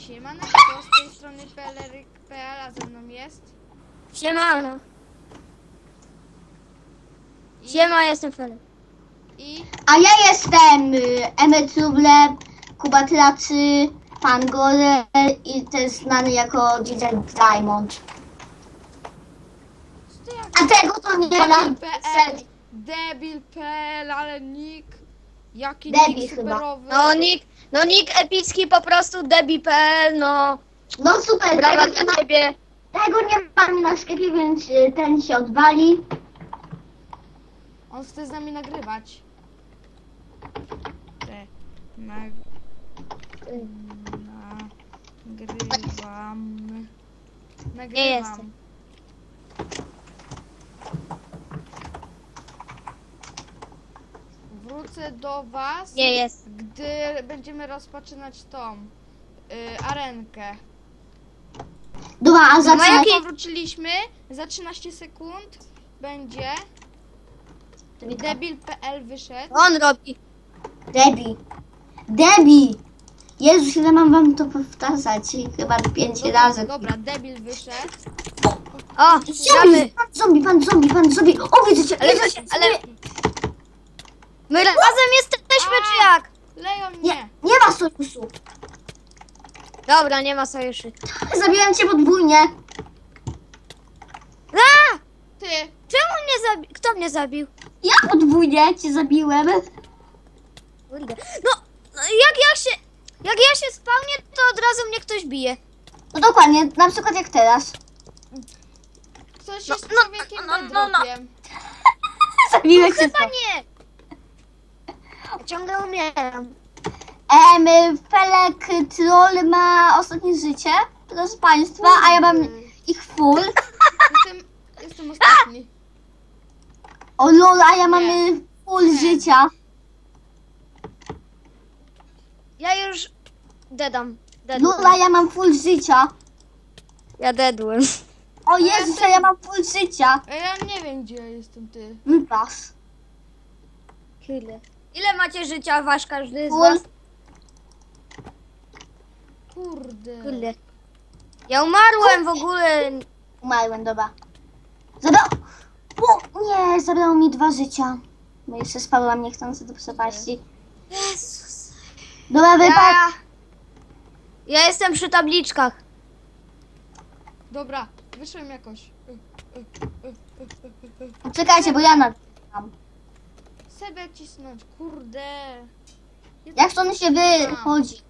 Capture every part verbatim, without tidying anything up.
Siemaneczko, z tej strony P L R kropka P L, a ze mną jest... Siemano. I, Siema, jestem Felek. I... A ja jestem y, Emetuble, Kuba Tracy, Pan Gorel i też znany jako D J Diamond. Ty jak... A tego to nie ma Debil kropka P L, Debil kropka P L, ale nick... Jaki Debil nick chyba. superowy. No nick, no nick epicki po prostu debi kropka P L, no. No super, Brawa tego nie, dla ma, ciebie. tego nie ma na sklepie, więc y, ten się odwali. On chce z nami nagrywać. Te... Nag... Nagrywam... Nagrywam. Nie jestem. Wrócę do was, Nie jest. gdy będziemy rozpoczynać tą y, arenkę. Dobra, a No zacznę. jaki- Powróciliśmy, za trzynaście sekund będzie Debil kropka P L wyszedł. On robi. Debi. Debi. Jezus, ile mam wam to powtarzać? Chyba pięć razy. Dobra, Debil wyszedł. O, Zombie, gramy. pan zombie, pan zombie, pan zombie. O, widzę cię, Ale, widzę cię. ale... My razem jesteśmy, czy jak? Leją Nie, mnie. nie ma sojuszu. Dobra, nie ma sojuszy. Zabiłem cię podwójnie. A! Ty, Czemu mnie zabił? Kto mnie zabił? Ja podwójnie cię zabiłem. Kurde. No, no jak ja się... Jak ja się spełnię, to od razu mnie ktoś bije. No dokładnie, na przykład jak teraz. ktoś No, jest no, człowiekiem no, no, no. bedrokiem. Zabiłeś cię. Chyba nie. Ja ciągle umieram. Em, Felek Troll ma ostatnie życie, proszę państwa, a ja mam ich full. Jestem, jestem ostatni. O lol, a ja mam Nie. y, full Nie. życia. Ja już... Dedam. Lol, Dedłem. a ja mam full życia. Ja dedłem. O Jezus, a ja mam full życia. A ja nie wiem, gdzie ja jestem, ty. Wypas. Ile? Ile macie życia wasz każdy z Full. was? Kurde. Kurde. Ja umarłem w ogóle. Umarłem, dobra. Zabrał... O, nie, zabrało mi dwa życia. Bo jeszcze spadłam niechcący do przepaści. Jezus. Dobra, wypad. Ja... ja jestem przy tabliczkach. Dobra, wyszłem jakoś. Y, Czekajcie, bo ja na... Sebę cisnąć, kurde. Jak stąd się wychodzi?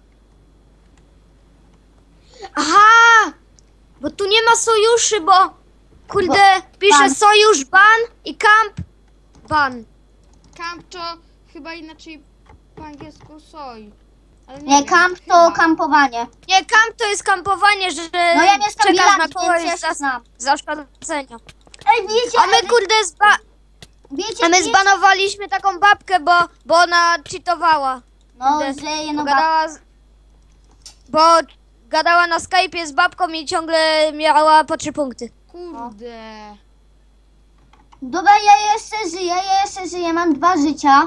Aha! Bo tu nie ma sojuszy, bo... Kurde, Bo- pisze ban. sojusz ban i camp ban. Camp to chyba inaczej po angielsku soj. Ale nie, Nie, wiem, kamp to chyba. kampowanie. Nie, camp to jest kampowanie, że No ja mieszkam w czekasz na Irlandii, więc ja kogoś się za, znam. za szkodzenia. Ej, wiecie, A my kurde zba... wiecie, A my wiecie- zbanowaliśmy taką babkę, bo, bo ona cheatowała. No, Kurde, że Bo jedno gadała, z... bo gadała na Skype'ie z babką i ciągle miała po trzy punkty. Kurde. Dobra, ja jeszcze żyję, ja jeszcze żyję, mam dwa życia.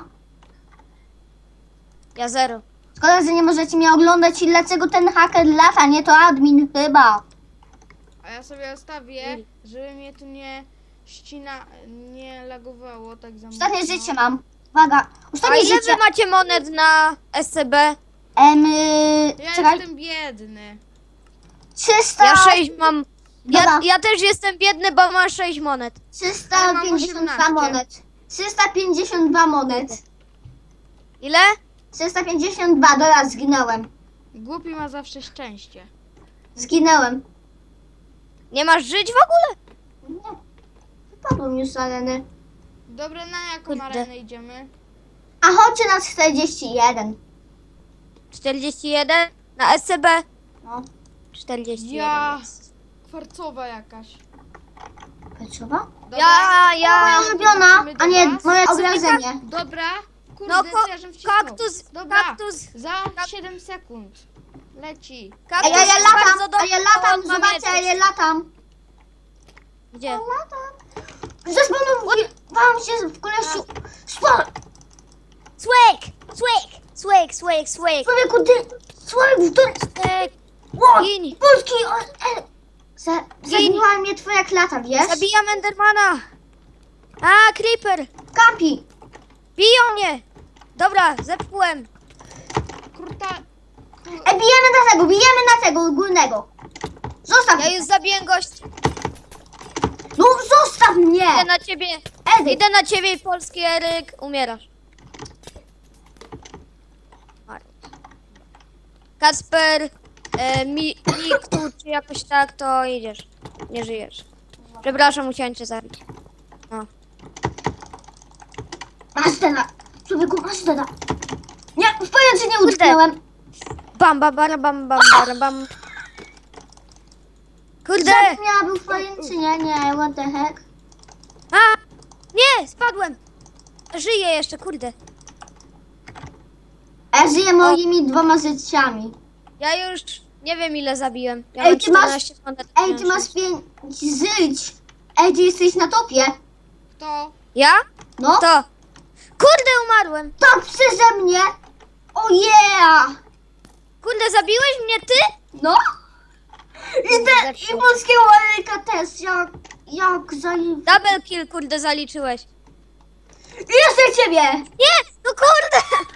Ja zero. Szkoda, że nie możecie mnie oglądać i dlaczego ten haker lata, nie to admin chyba. A ja sobie ustawię, żeby mnie tu nie ścina, nie lagowało tak za mocno. Ostatnie życie mam. Uwaga, A ostatnie ile życie. wy macie monet na S C B? Em, y, Ja czekaj, jestem biedny. trzysta, Ja sześć mam. Ja, Dobra. ja też jestem biedny, bo mam sześć monet. trzysta pięćdziesiąt dwa monet. trzysta pięćdziesiąt dwa monet. Ile? trzysta pięćdziesiąt dwa, dobra, zginąłem. Głupi ma zawsze szczęście. Zginęłem. Nie masz żyć w ogóle? Nie, wypadłem już z areny. Dobra, na jaką Kurde. arenę idziemy? A chodźcie na czterdzieści jeden. czterdzieści jeden? Na S C B? No, czterdzieści jeden. Ja. jest. Kwarcowa jakaś. Peczowa? Dobra. Ja, ja. Moja ulubiona, Wrócimy do a nie was. moje obrażenie. Dobra. Kurde, No, co ko- ja żem wcisnął? kaktus, Dobra. kaktus. Za siedem sekund. Leci. A Kaktus ja, ja jest latam, bardzo a dobry, ja bo latam, on ma zobaczcie, a miecz. ja latam. Gdzie? Latam. Zespanowałam się w kolesiu. Spa- Swag! Swag! Swag, swag, swag. Człowieku, ty... Człowieku, ty... Swag. Ło, Gin. Polski, o, e, za, zabiła mnie twoja klata, wiesz? Zabijam Endermana. A, Creeper. Kampi. Biją mnie. Dobra, zepchłem. Kurta... E, bijemy na tego, bijemy na tego górnego. Zostaw Ja mnie. już zabiję gości. No zostaw mnie. Idę na ciebie. Edyk. Idę na ciebie, polski Eryk. Umierasz. Marek. Kacper, e, mi, Miktu, czy jakoś tak, to idziesz. Nie żyjesz. Przepraszam, musiałem cię zabić. No. Masz deda. Człowieku, masz deda. Nie, w pojęciu nie utknęłem. Bam, bam, bam, bam, bam, bam, bam. Kurde! Ja był w pojęcinie, nie, what the heck. A! Nie, spadłem! Żyję jeszcze, kurde. A ja żyję moimi dwoma życiami. Ja już nie wiem ile zabiłem. Ja Ej, mam ty masz- czternaście monet. Ej, ty masz pięć żyć. Ej, ty jesteś na topie. Kto? Ja? No, To. Kurde, umarłem. tak przeze mnie. O yeah. Kurde, zabiłeś mnie ty? No. I, te, i polskiego Eryka też, jak, jak zali... Double kill, kurde, zaliczyłeś. Jeszcze ciebie. Nie, no kurde!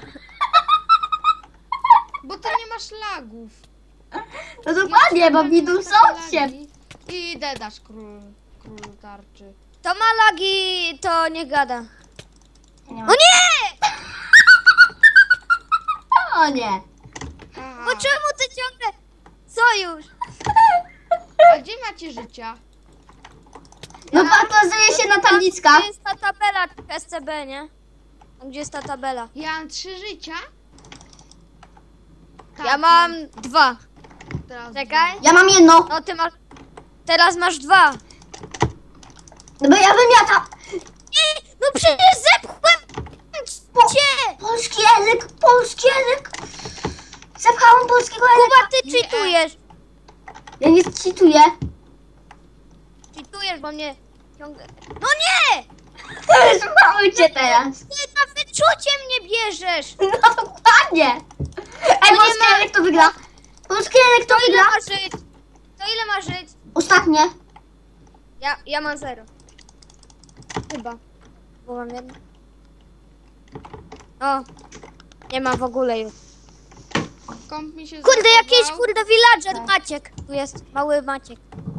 Bo ty nie masz lagów. No dokładnie, bo widzą są się. I dedasz król, król tarczy. To ma lagi, to nie gada. Nie O ma- nie! O nie. Aha. Bo czemu ty ciągle... Sojusz! A gdzie macie życia? No pokazuje się na tabliczkach. Gdzie jest ta tabela S C B, nie? Tam, gdzie jest ta tabela? Ja mam trzy życia? Tak, Ja mam dwa. teraz Czekaj. Ja mam jedno. No ty masz... Teraz masz dwa. No bo ja wymiatam. Nie, no przecież zepchłem cię! Polski język, polski język. Zapchałam polskiego języka. Kuba, ty cheatujesz. Ja nie cheatuję. Cheatujesz, bo mnie ciągle... No nie! Zmały cię teraz. Ty na wyczucie mnie bierzesz! No dokładnie. Ej, nie polski ma- język to wygra. Polski język to To ile wygra. masz żyć? To ile masz żyć? Ostatnie. Ja, ja mam zero. Chyba. Bo mam jedno. O. Nie mam w ogóle już. Komp mi się Kurde, zachował. jakiś kurde villager Maciek. Tu jest mały Maciek.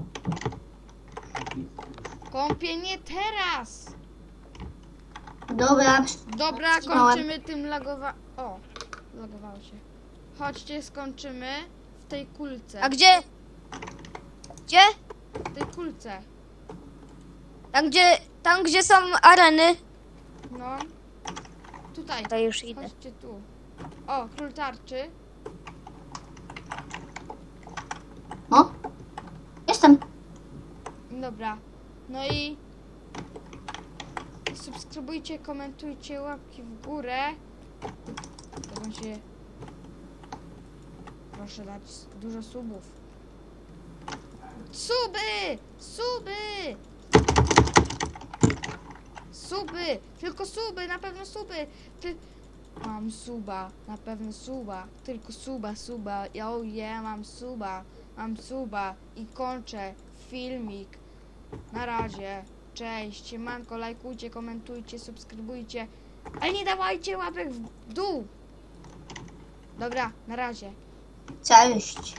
Kąpie nie teraz. Dobra. Dobra, Wstrzymałem. kończymy tym lagowa... O, lagowało się. Chodźcie, skończymy w tej kulce. A gdzie? Gdzie? W tej kulce. Tam gdzie, tam gdzie są areny. No. Tutaj. To już idę. Chodźcie tu. O, król tarczy. O. Jestem. Dobra. No i subskrybujcie, komentujcie, łapki w górę. To będzie... Proszę dać dużo subów. Suby! Suby! Suby! Tylko suby, na pewno suby! Ty... Mam suba, na pewno suba. Tylko suba, suba. Oh yeah, mam suba. Mam suba i kończę filmik. Na razie. Cześć. Siemanko, lajkujcie, komentujcie, subskrybujcie. Ale nie dawajcie łapek w dół. Dobra, na razie. Cześć.